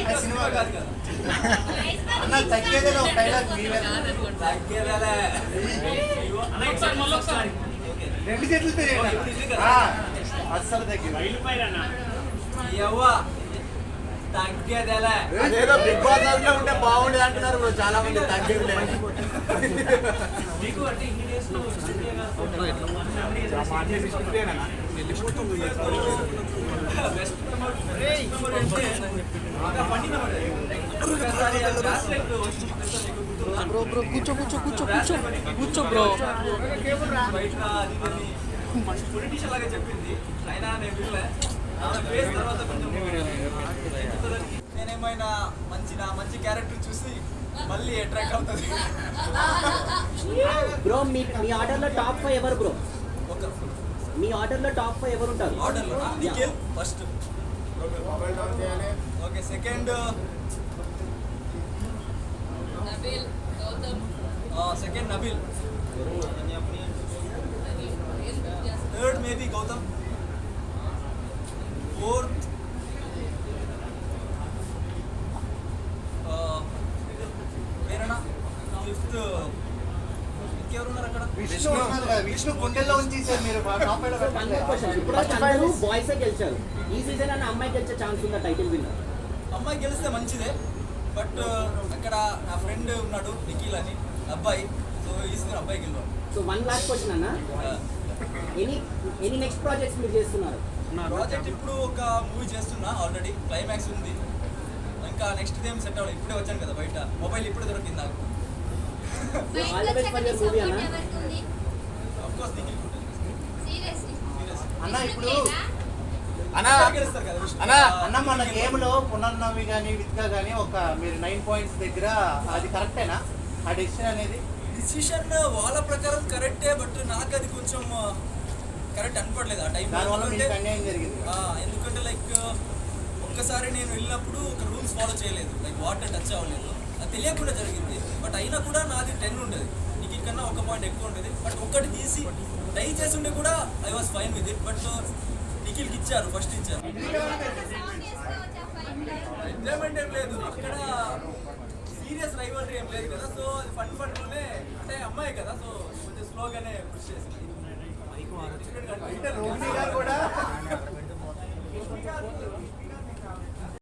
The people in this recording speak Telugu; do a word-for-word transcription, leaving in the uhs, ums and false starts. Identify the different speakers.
Speaker 1: సినిమా కాదు కదా అన్న తగ్గేదేలా ఒక డైలాగ్ మీవే తగ్గేదేలా అన్న ఒకసారి మళ్ళీ ఒకసారి రెండు చేతులతో అస్సలు తగ్గేది వెళ్ళిపోయారన్న యవ్వ తగ్గేదేలా అదేదో బిగ్ బాస్ లో ఉంటే బాగుండేది అంటున్నారు బ్రో చాలా మంది తగ్గేది మీకు అంటే ఇన్ని డేస్ లో
Speaker 2: బ్రో బ్రో కూర్చో కూర్చో కూర్చో కూర్చో కూర్చో బ్రో
Speaker 1: పొలిటీషియన్ లాగా చెప్పింది అయినా నేను తర్వాత నేనేమైనా మంచి నా మంచి క్యారెక్టర్ చూసి మళ్ళీ అట్రాక్ట్ అవుతుంది
Speaker 3: బ్రో మీ మీ ఆర్డర్లో టాప్ ఫైవ్ ఎవరు బ్రో మీ ఆర్డర్లో టాప్ ఫైవ్ ఎవరు ఉంటారు
Speaker 1: ఆర్డర్లో Nikhil first okay second Nabeel Gautham second Nabeel third maybe Gautham fourth వేరేనా ఫిఫ్త్ ఇంకెవరున్నారు అక్కడ విష్ణు విష్ణు గుండెల్లో ఉంచేసారు మీరు
Speaker 3: ఇప్పుడు అందరూ బాయ్స్ గెలిచారు ఈ సీజన్ అన్న అమ్మాయి గెలిచే ఛాన్స్ ఉందా టైటిల్ విన్నర్
Speaker 1: అమ్మాయి గెలిస్తే మంచిదే బట్ అక్కడ నా ఫ్రెండ్ ఉన్నాడు నిఖిల్ అని అబ్బాయి సో ఈ సీజన్ అబ్బాయి గెలవాలి
Speaker 3: సో వన్ లాస్ట్ క్వశ్చన్ అన్న ఎనీ ఎనీ నెక్స్ట్ ప్రాజెక్ట్స్ మీరు చేస్తున్నారు
Speaker 1: ప్రాజెక్ట్ ఇప్పుడు ఒక మూవీ చేస్తున్నా ఆల్రెడీ క్లైమాక్స్ ఉంది ఇంకా నెక్స్ట్ టైం సెట్ అవ్వాలి ఇప్పుడే వచ్చాను కదా బయట మొబైల్ ఇప్పుడే దొరికింది నాకు అన్న ఇప్పుడు అన్న మన గేమ్ లో పునర్నవి కానీ విత్గా కానీ ఒక మీరు నైన్ పాయింట్స్ దగ్గర అది కరెక్టేనా ఆ డెసిషన్ అనేది డిసిషన్ వాళ్ళ ప్రకారం కరెక్టే బట్ నాకు అది కొంచెం కరెక్ట్ అనిపడలేదు ఆ టైం జరిగింది ఎందుకంటే లైక్ ఒక్కసారి నేను వెళ్ళినప్పుడు ఒక రూల్స్ ఫాలో చేయలేదు లైక్ వాటర్ టచ్ అవ్వలేదు అది తెలియకుండా జరిగింది బట్ అయినా కూడా నాది టెన్ ఉండేది నీకు కన్నా ఒక పాయింట్ ఎక్కువ ఉండేది బట్ ఒక్కటి తీసి ట్రై చేసి ఉంటే కూడా I was fine with it but నిఖిల్కి ఇచ్చారు ఫస్ట్ ఇచ్చారు ఎంజాయ్మెంట్ ఏం లేదు అక్కడ సీరియస్ రైవల్రీ ఏం లేదు కదా సో అది ఫన్ ఫన్లోనే అంటే అమ్మాయి కదా సో కొంచెం స్లోగానే పుష్ చేసింది కూడా